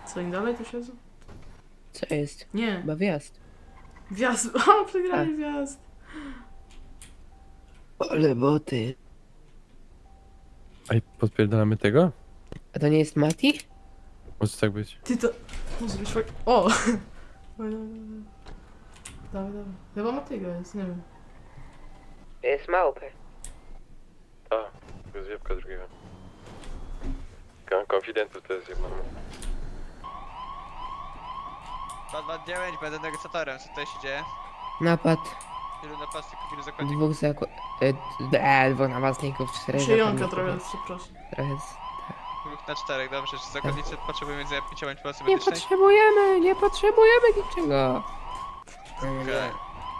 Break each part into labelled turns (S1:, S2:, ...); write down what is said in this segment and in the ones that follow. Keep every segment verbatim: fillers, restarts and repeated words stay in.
S1: Co, oni dalej tu siedzą?
S2: Co jest?
S1: Nie.
S2: Chyba wjazd.
S1: Wjazd. O, przegrali wjazd.
S2: Ale boty.
S3: A i podpierdalamy tego?
S2: A to nie jest Mati?
S3: Może tak być.
S1: Ty to... Może być fak... O! Dawaj, dawaj, dawaj. Chyba Matego jest, nie wiem.
S2: To jest małpę.
S3: A, to jest jebka drugiego. Konfidentów to jest jebana.
S4: dwa dwa dziewięć, będę negocjatorem, co tutaj się dzieje?
S2: Napad.
S4: Ilu napastników, ilu zakładników?
S2: Dwóch zakład... E, e, dwóch napastników, czterech
S1: Się jąka
S2: zakładników.
S1: trochę, przepraszam.
S2: Trochę z...
S4: Dwóch na czterech, dobrze, czy zakładnicy potrzebują między pięcioma pomocy
S2: Nie
S4: medycznej?
S2: potrzebujemy, nie potrzebujemy niczego.
S4: Okej.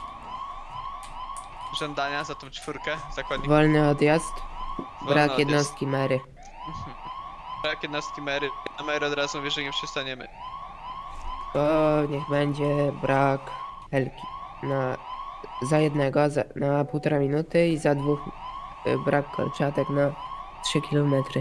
S4: Żądania za tą czwórkę zakładników.
S2: Wolny odjazd.
S4: Wolny
S2: Brak
S4: odjazd.
S2: jednostki Mary.
S4: Brak jednostki Mary. Na Mary od razu mówię, że nie przystaniemy.
S2: To niech będzie brak Helki. Na... Za jednego, za, na półtora minuty i za dwóch y, brak kolczatek na trzy kilometry.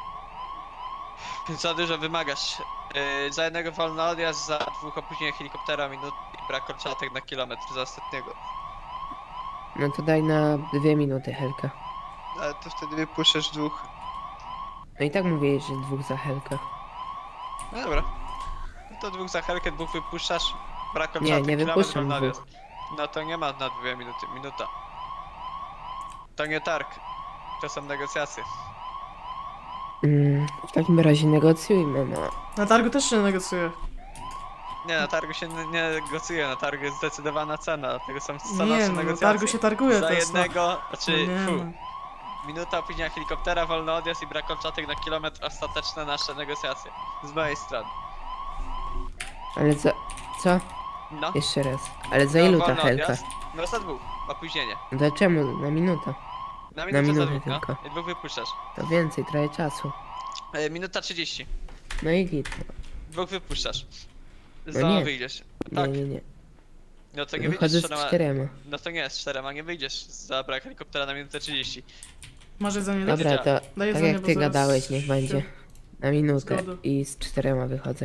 S4: Za dużo wymagasz. Yy, za jednego wolny odjazd, za dwóch opóźnień helikoptera minut i brak kolczatek na kilometr za ostatniego.
S2: No to daj na dwie minuty Helka.
S4: Ale to wtedy wypuszczasz dwóch.
S2: No i tak mówię, że dwóch za Helka.
S4: No dobra. No to dwóch za helkę, dwóch wypuszczasz. Brak
S2: Nie,
S4: kolczatek,
S2: nie
S4: kilometr
S2: wypuszczam
S4: wolny
S2: dwóch.
S4: odjazd. No to nie ma na dwie minuty, minuta. To nie targ. To są negocjacje.
S2: Mm, w takim razie negocjujmy, no.
S1: Na targu też się negocjuje.
S4: Nie, na targu się nie nie negocjuje, na targu jest zdecydowana cena, dlatego są stanowcze
S1: Nie, no na
S4: negocjacje.
S1: targu się targuje
S4: Za
S1: też.
S4: jednego, znaczy,
S1: no. Nie,
S4: fu,
S1: no.
S4: minuta opóźnienia helikoptera, wolny odjazd i brak kolczatek na kilometr, ostateczne nasze negocjacje. Z mojej strony.
S2: Ale za... Co?
S4: No.
S2: Jeszcze raz. Ale za
S4: No,
S2: ilu ta
S4: wolny
S2: Helka?
S4: odjazd, No za dwóch, opóźnienie.
S2: To czemu? Na minutę.
S4: Na minutę,
S2: minutę
S4: za dwóch, no.
S2: tylko.
S4: I dwóch wypuszczasz.
S2: To więcej, trochę czasu.
S4: E, minuta trzydzieści.
S2: No i git.
S4: Dwóch wypuszczasz.
S2: No
S4: Za
S2: nie.
S4: wyjdziesz.
S2: Nie,
S4: Tak,
S2: nie, nie.
S4: no to nie
S2: Wychodzę
S4: wyjdziesz
S2: z
S4: czterema.
S2: czterema.
S4: No to nie, z czterema nie wyjdziesz za brak helikoptera na minutę trzydzieści.
S1: Masz jedzenie?
S4: Dobra.
S1: Dobra.
S2: Dobra, to
S1: Daj
S2: tak
S1: jedzenie,
S2: jak
S1: bo
S2: ty
S1: zaraz
S2: gadałeś, niech
S1: się-
S2: będzie. Na minutę
S1: Zgoda.
S2: i z czterema wychodzę.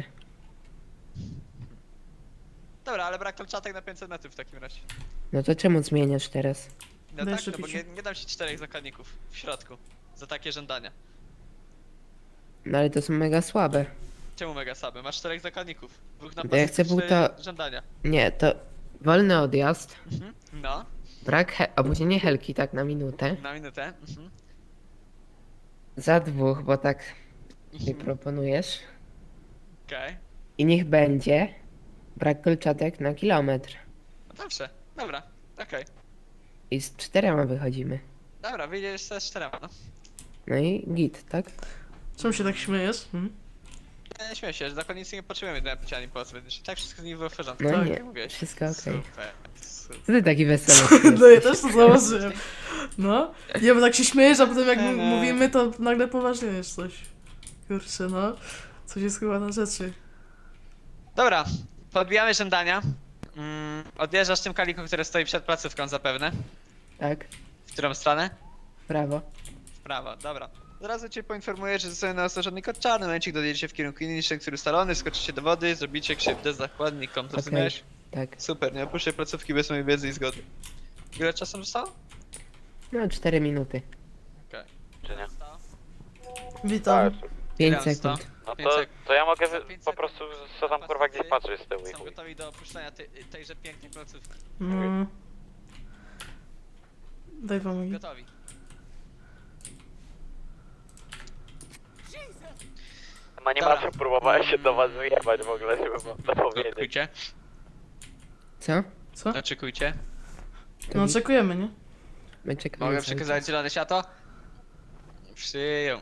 S4: Dobra, ale brak kolczatek na pięćset metrów w takim razie.
S2: No to czemu zmieniasz teraz?
S4: No
S1: Daj
S4: tak, no bo
S1: szybciej.
S4: nie, nie dam ci czterech zakładników w środku. Za takie żądania.
S2: No ale to są mega słabe.
S4: Czemu mega słaby? Masz czterech zakładników. Dwóch
S2: To ja
S4: napastników,
S2: chcę
S4: cztery
S2: buta-
S4: żądania.
S2: Nie, to wolny odjazd,
S4: Mhm. No,
S2: brak he- opóźnienie Helki tak na minutę.
S4: na minutę. Mhm.
S2: Za dwóch, bo tak mi
S4: Mhm.
S2: proponujesz.
S4: Okej.
S2: I niech będzie brak kolczatek na kilometr.
S4: No dobrze, dobra, okej.
S2: I z czterema wychodzimy.
S4: Dobra, wyjdziesz z czterema, no.
S2: No i git, tak?
S1: Czemu się tak śmiejesz? Hmm?
S4: Nie, nie śmiej się, zakładnicy nie potrzebujemy do napicia ani pomocy medycznej. Tak wszystko z nimi było w porządku.
S2: No
S4: tak,
S2: nie,
S4: jak mówiłeś.
S2: wszystko okej.
S4: Super, super.
S2: Co ty taki wesoły
S1: No ja
S2: jesteś?
S1: też to zauważyłem. No. Nie, bo tak się śmiejesz, a potem jak
S4: Nie,
S1: m-
S4: nie.
S1: mówimy, to nagle poważniejesz coś. Kurczę, no. Coś jest chyba na rzeczy.
S4: Dobra, podbijamy żądania. Mm, odjeżdżasz tym kaliką, który stoi przed placówką zapewne.
S2: Tak,
S4: W którą stronę?
S2: brawo.
S4: W prawo, dobra. Od razu cię poinformuję, że zostanie naostrzeżony kod czarny. Momencik dojedziecie w kierunku niższym, który ustalony, skoczycie do wody, zrobicie krzywdę zakładnikom, zrozumiałeś?
S2: Tak.
S4: Super, nie opuszczaj placówki bez mojej wiedzy i zgody. Ile czasu zostało?
S2: No, cztery minuty.
S4: Okej.
S5: Czy nie?
S1: Witam.
S2: Pięć
S4: Ile zostało?
S2: sekund.
S5: No
S4: Pięć
S5: to,
S4: sek-
S5: to ja mogę
S4: za
S5: wy,
S4: pięć
S5: po
S4: sekund
S5: prostu co tam kurwa gdzieś patrzeć z tyłu i
S4: Są
S5: chuj.
S4: gotowi do opuszczenia tej, tejże pięknej placówki.
S1: No. Daj wam.
S4: Gotowi.
S5: Ma nie
S4: Dobra.
S5: ma co próbowałeś się do was wyjebać w ogóle, żeby wam to powiedzieć.
S4: Oczekujcie,
S2: Co?
S1: Co?
S4: oczekujcie.
S2: To
S1: No
S2: git?
S1: oczekujemy, nie?
S2: My czekamy
S4: Mogę
S2: cały
S4: przekazać
S2: czas.
S4: zielone światło? Przyjął.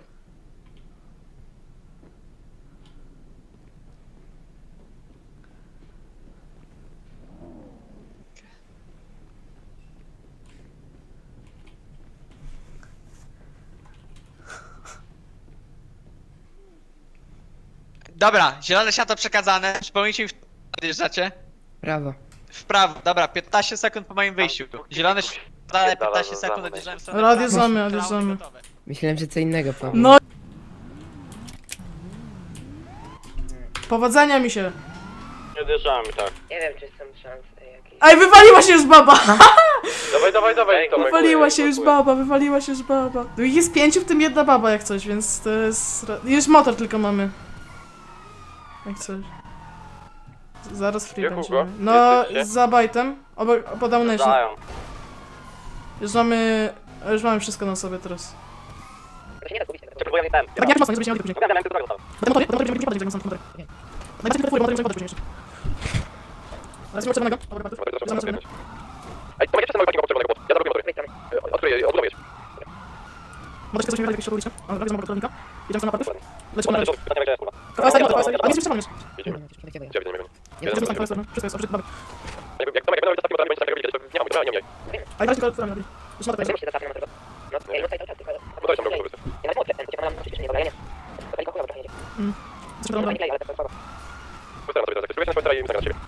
S4: Dobra, zielone światło przekazane. Przypomnijcie mi, w którą odjeżdżacie.
S2: Brawo.
S4: W prawo, dobra, piętnaście sekund po moim wyjściu. Zielone światło, dalej piętnaście sekund, odjeżdżałem w stronę
S1: Ale odjeżdżamy,
S4: prawo.
S1: odjeżdżamy.
S4: Gotowe.
S2: Myślałem, że co innego powiem.
S1: No. Powodzenia mi się.
S5: Nie uderzałem tak.
S2: Nie wiem, czy są szanse jakieś.
S1: Ej, wywaliła się już baba!
S3: Dawaj, dawaj, dawaj, Tomek.
S1: Wywaliła się już baba, wywaliła się już baba. No ich jest pięciu, w tym jedna baba jak coś, więc to jest... ra- Już motor tylko mamy. Jak coś. Z- Zaraz free
S3: Gdzie
S1: będziemy.
S3: Hugo?
S1: No,
S3: Jesteście?
S1: za bajtem. Obok, po downation.
S5: Dają.
S1: Już mamy... Już mamy wszystko na sobie teraz.
S2: To się nie da kupić tego.
S5: Czy próbuję ten?
S1: Tak, jak mocno, nie zrobiliśmy później.
S5: Wiem, wiem, wiem, wiem,
S1: Do motory, do motory będziemy później, będziemy motory. Najbardziej tylko motory, motory później jeszcze. Raz mi czerwonego. Dobra, bardzo. Bierzemy sobie.
S3: Ej, Tomek, jeszcze ten mały parking ja zrobię motory. Odkryję, odbuduję się.
S1: Motory chcesz jakieś uliczne? Ale robię znowu do Jedziemy na parków. Lecimy na
S5: wiem.
S1: razie.
S5: Pytanie, gdzie jest, kurwa.
S1: To jest motor, to jest A nie jest jeszcze
S3: Jedziemy. Gdzie widzę, nie wiem.
S1: Jest to jest Wszystko jest, obrzyd,
S3: Jak Tomek, jak będę robić taki motor, będzie tak robić, to nie mam, nie mam, nie mam.
S1: Ale teraz tylko robię. Już motor
S2: Będziemy
S1: jest.
S2: się zastawić na tego. No, ja rzucaj cały czas tylko.
S3: Motory są robione, kurwa.
S2: Ja na mocy, ten cię mam na psychicznie, dobra, ja nie. To tylko chujowo trochę jedzie.
S1: Jesteśmy do
S2: Nie klei, ale to jest słabo.
S3: Postaram sobie tak, spróbuję na swoje i na ciebie.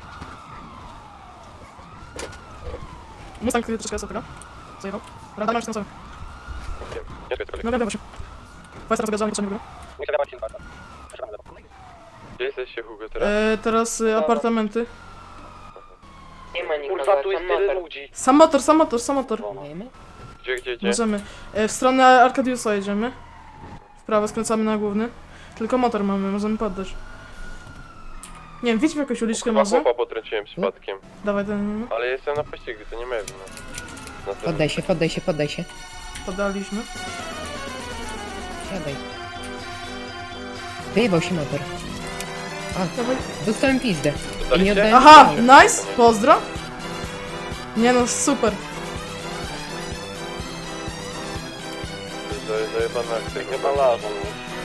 S1: Mustang troszkę jest od tego. Zajechał. Rada masz na sobie.
S3: Nie, nie,
S1: No wiem, właśnie. Państwa rozgadzamy, potrzebnie było.
S5: Muszę dawać się dwa.
S3: Gdzie jesteście, Hugo, teraz?
S1: E, teraz y, apartamenty.
S2: Nie ma nikogo,
S5: Kurwa, tu jest
S2: sam
S5: tyle
S2: motor.
S5: ludzi.
S1: Sam motor, sam motor, sam motor.
S2: Dajemy?
S3: Gdzie, gdzie, gdzie?
S1: Możemy. E, w stronę Arkadiusa jedziemy. W prawo skręcamy na główny. Tylko motor mamy, możemy poddać. Nie wiem, wiecie w jakąś uliczkę
S3: Chyba
S1: może?
S3: chłopa potrąciłem przypadkiem.
S1: Dawaj ten.
S3: Ale jestem na pościgu, to nie moja wina. Na ten-
S2: Poddaj się, poddaj się, poddaj się.
S1: Poddaliśmy.
S2: Siadaj. Wyjebał się motor.
S1: Dawaj.
S2: A, dostałem pizdę. I nie
S3: Oddaliście?
S2: oddałem
S1: Aha,
S2: się.
S1: nice! Pozdro! Nie no, super.
S3: Zaje- Zajebana akcja.
S5: Chyba lazą.